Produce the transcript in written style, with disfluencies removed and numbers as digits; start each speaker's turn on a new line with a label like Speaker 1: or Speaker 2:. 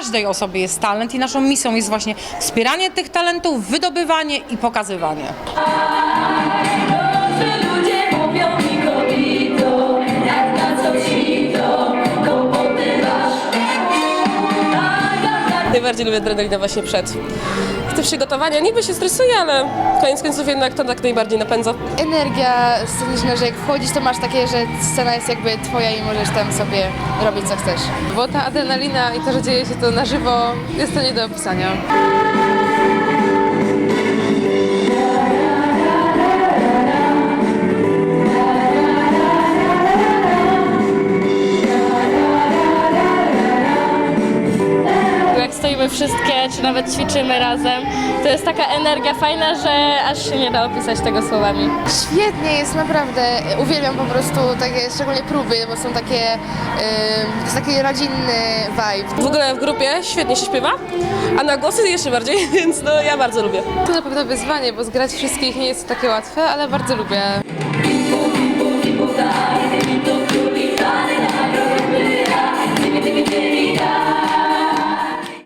Speaker 1: każdej osobie jest talent i naszą misją jest właśnie wspieranie tych talentów, wydobywanie i pokazywanie.
Speaker 2: Ludzie mówią mi kobito, jak na co świto, kłopoty masz.
Speaker 3: Najbardziej lubię adrenalinę właśnie przed. Te przygotowania niby się stresuje, ale koniec końców jednak to tak najbardziej napędza.
Speaker 4: Energia sceniczna, że jak wchodzisz, to masz takie, że scena jest jakby twoja i możesz tam sobie robić co chcesz.
Speaker 5: Bo ta adrenalina i to, że dzieje się to na żywo, jest to nie do opisania.
Speaker 6: Jak stoimy wszystkie, czy nawet ćwiczymy razem, to jest taka energia fajna, że aż się nie da opisać tego słowami.
Speaker 4: Świetnie jest, naprawdę. Uwielbiam po prostu takie, szczególnie próby, bo są takie, to jest taki rodzinny vibe.
Speaker 3: W ogóle w grupie świetnie się śpiewa, a na głosy jeszcze bardziej, więc no ja bardzo lubię.
Speaker 5: To na pewno wyzwanie, bo zgrać wszystkich nie jest takie łatwe, ale bardzo lubię.